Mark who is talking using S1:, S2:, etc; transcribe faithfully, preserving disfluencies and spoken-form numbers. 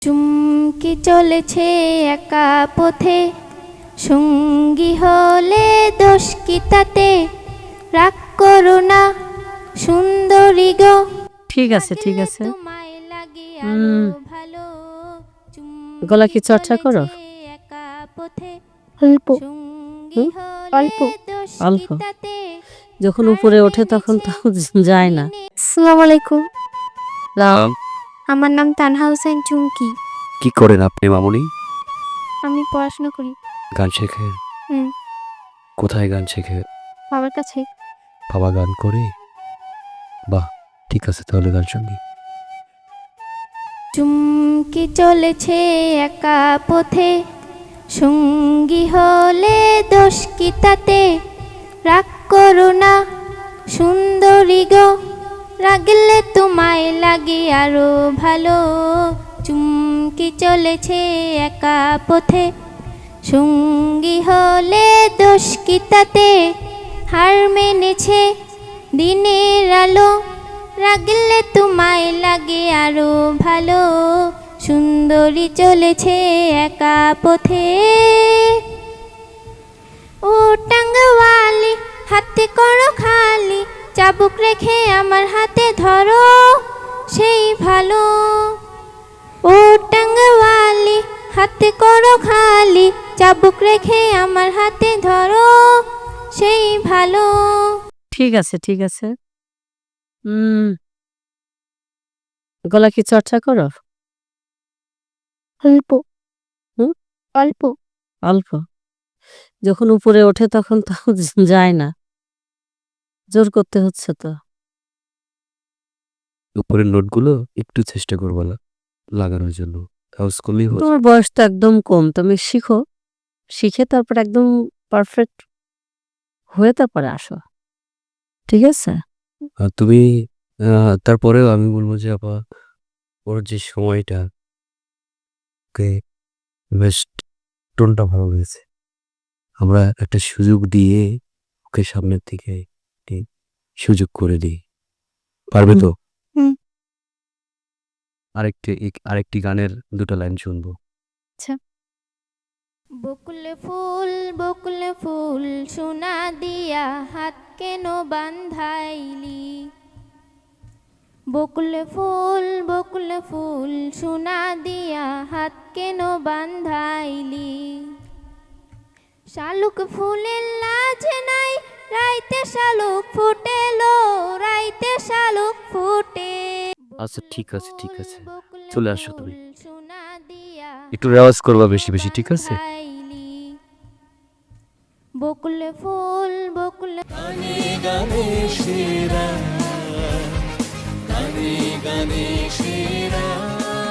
S1: চুমকি চলেছে একা পথে, সঙ্গী হলে দোষ কি তাতে? রাগ করো না সুন্দরী গো,
S2: ঠিক আছে ঠিক আছে।
S1: তোমায় লাগে আরো ভালো।
S2: গলা কি চর্চা করো?
S1: একা পথে
S2: অল্প
S1: সঙ্গী হলে
S2: অল্প
S1: দোষ
S2: অল্প
S1: কি তাতে?
S2: যখন উপরে ওঠে তখন তো যায় না।
S3: আসসালামু আলাইকুম।
S4: নাম
S3: আমার নাম তানহা হোসেন চুমকি।
S4: কি করেন আপনি মামুনি?
S3: আমি পড়াশোনা করি।
S4: গান শেখেন?
S3: হুম,
S4: কোথায় গান শেখে?
S3: বাবার কাছে।
S4: বাবা গান করে? বাহ, ঠিক আছে তাহলে গান শুনি।
S1: চুমকি চলেছে একা পথে, সঙ্গী হলে দোষ কি তাতে? রাগ করো না সুন্দরী গো, রাগলে তোমায় লাগে আরো ভালো। চুমকি চলেছে একা পথে, সঙ্গী হলে দোষ কি তাতে? হার মেনেছে দিনের আলো, রাগলে তোমায় লাগে আরো ভালো। সুন্দরী চলেছে একা পথে। ও টাঙ্গাওয়ালি হাতে করো খালি, চাবুক রেখে আমার হাতে ধরো সেই ভালো। ও টাঙ্গাওয়ালি হাতে করো খালি, চাবুক রেখে আমার হাতে ধরো সেই ভালো।
S2: ঠিক আছে ঠিক আছে। হুম, গলা কি চর্চা করো?
S3: অল্প
S2: হুম?
S3: অল্প
S2: অল্প যখন উপরে ওঠে তখন তো যায় না, জোর করতে হচ্ছে তো।
S4: উপরের নোটগুলো একটু চেষ্টা করবো না লাগানোর জন্য, হাউস করলেই হচ্ছে।
S2: তোমার বয়স তো একদম কম, তুমি শিখো, শিখে তারপর একদম পারফেক্ট হয়ে তারপরে আসো, ঠিক আছে?
S4: আর তুমি আহ, তারপরেও আমি বলবো যে আপা, ওর যে সময়টা, ওকে বেশ টোনটা ভালো লেগেছে। আমরা একটা সুযোগ দিয়ে ওকে সামনের দিকে একটি সুযোগ করে দিই, পারবে তো?
S3: হুম।
S4: আরেকটি এক- আরেকটি গানের দুটো লাইন শুনবো।
S1: বকুল ফুল বকুল ফুল সোনা দিয়া হাত কেন বান্ধাইলি? বকুল ফুল বকুল ফুল সোনা দিয়া হাত কেন বান্ধাইলি? শালুক ফুলের লাজ নাই, রাইতে শালুক ফুটেলো, রাইতে শালুক ফুটে।
S4: আচ্ছা ঠিক আছে ঠিক আছে, চলে আসো তুমি।
S1: সোনা দিয়া
S4: একটু রেওয়াজ করবা বেশি বেশি, ঠিক আছে?
S1: বকুল ফুল বকুল
S5: গানে গানে সেরা, গানে গানে